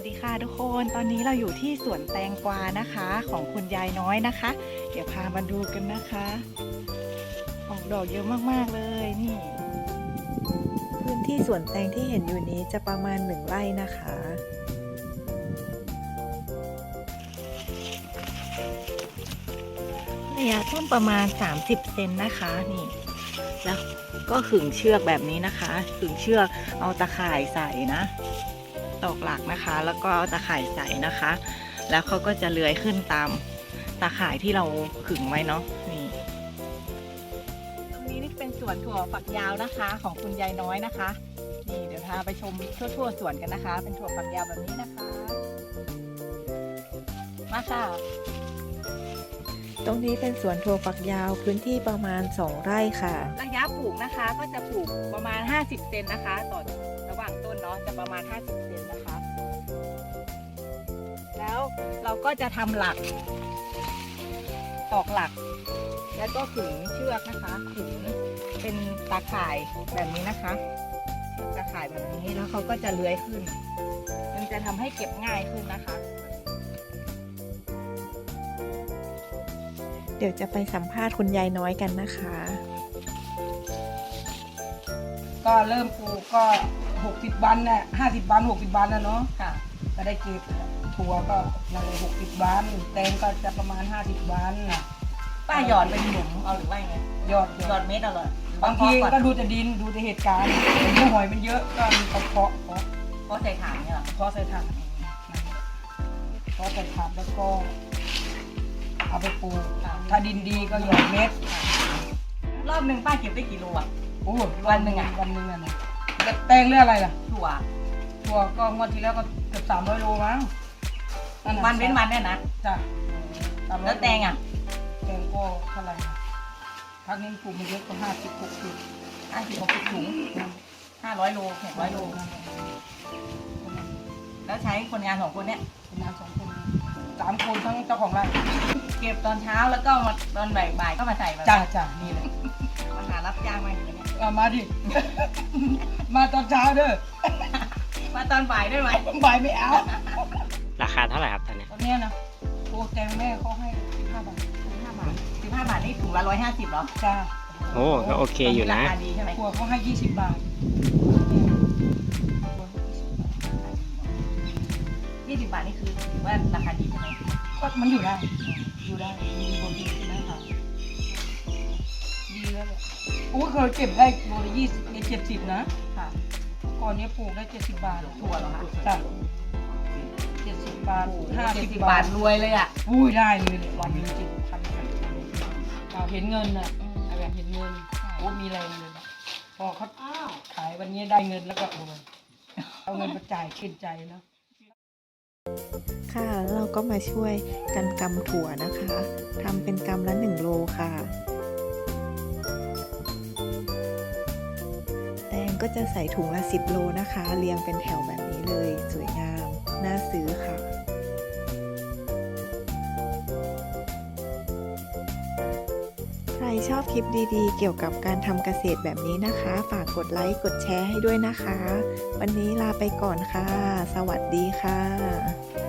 ดีค่ะทุกคนตอนนี้เราอยู่ที่สวนแตงกวานะคะของคุณยายน้อยนะคะเดี๋ยวพามาดูกันนะคะออกดอกเยอะมากๆเลยนี่พื้นที่สวนแตงที่เห็นอยู่นี้จะประมาณ1 ไร่นะคะระยะต้นประมาณ30 เซนนะคะนี่แล้วก็ขึงเชือกแบบนี้นะคะขึงเชือกเอาตะข่ายใส่นะตอกหลักนะคะแล้วก็เอาตะข่ายใส่นะคะแล้วเขาก็จะเลื้อยขึ้นตามตะข่ายที่เราขึงไว้เนาะนี่ตรงนี้นี่เป็นสวนถั่วฝักยาวนะคะของคุณยายน้อยนะคะนี่เดี๋ยวพาไปชมทั่วสวนกันนะคะเป็นถั่วฝักยาวแบบนี้นะคะมาค่ะตรงนี้เป็นสวนถั่วฝักยาวพื้นที่ประมาณ2 ไร่ค่ะระยะปลูกนะคะก็จะปลูกประมาณ50 เซนนะคะต่อระหว่างต้นเนาะจะประมาณ50 เซนนะคะแล้วเราก็จะทำหลักตอกหลักแล้วก็ขึงเชือกนะคะขึงเป็นตาข่ายแบบนี้นะคะตาข่ายแบบนี้แล้วเขาก็จะเลื้อยขึ้นมันจะทำให้เก็บง่ายขึ้นนะคะเดี๋ยวจะไปสัมภาษณ์คุณยายน้อยกันนะคะก็เริ่มปลูกก็60 วันน่ะ50 วัน60 วันนะเนาะค่ะก็ได้เก็บถั่วก็นั่นเลย60 วันแตงก็จะประมาณ50 วันน่ะป้าหยอดเป็นหลุมเอาหรือว่าไงยอดเม็ดเอาเลยบางทีก็ดูแต่ดินดูแต่เหตุการณ์เมื่อหอยมันเยอะก็มีเพาะใส่ถ่านเนี่ยหรอเพาะใส่ถาดเพาะใส่ถาดแล้วก็เอาไปปลูกถ้าดินดีก็หยอดเม็ดรอบหนึ่งป้าเก็บได้กี่โลอ่ะโอ้วันหนึ่งนะแตงเรื่องอะไรล่ะถั่วก็งวดที่แล้วก็เกือบ300 โลมั้งวันเว้นวันเนี่ยนะจ้ะแล้วแตงอ่ะแตงก็เท่าไหร่พักนี้ปลูกมันเยอะก็50-60 ถุง 500 โล600 โลแล้วใช้คนงาน2 คนเนี่ยคนงาน2 คน3 คนทั้งเจ้าของไร่เก็บตอนเช้าแล้วก็มาตอนบ่ายก็มาใส่มาจ้ะนี่เลยมาหารับจ้างมาอย่างเงี้ยมาดิ มาตอนเช้าเด้อมาตอนบ่ายได้ไหมบ่ายไม่เอาราคาเท่าไหร่ครับตอนนี้นะโอ้แตงแม่เขาให้15 บาท 15 บาทนี่ถุงละ150เหรอจ้าโอ้ก็โอเคอยู่นะราคาดีใช่ไหมถั่วเขาให้20 บาท 20 บาทนี่คือถือว่าราคาดีใช่ไหมก็มันอยู่ได้มีบนดีใช่ไหมคะดีแล้วเลยโอ้เคยเก็บได้โลละ20ใน70นะค่ะก่อนนี้ปลูกได้70 บาทถั่วเหรอคะจ้ะ70 บาท 50 บาทรวยเลยอ่ะอุ้ยได้เลยวันนึง70,000เราเห็นเงินน่ะแบบเห็นเงินโอ้มีแรงเลยพอเขาขายวันนี้ได้เงินแล้วก็เอาเงินมาจ่ายชื่นใจแล้วค่ะเราก็มาช่วยกันกำถั่วนะคะทำเป็นกำละ1 โลค่ะแตงก็จะใส่ถุงละ10 โลนะคะเรียงเป็นแถวแบบนี้เลยสวยงามน่าซื้อค่ะใครชอบคลิปดีๆเกี่ยวกับการทำเกษตรแบบนี้นะคะฝากกดไลค์กดแชร์ให้ด้วยนะคะวันนี้ลาไปก่อนค่ะสวัสดีค่ะ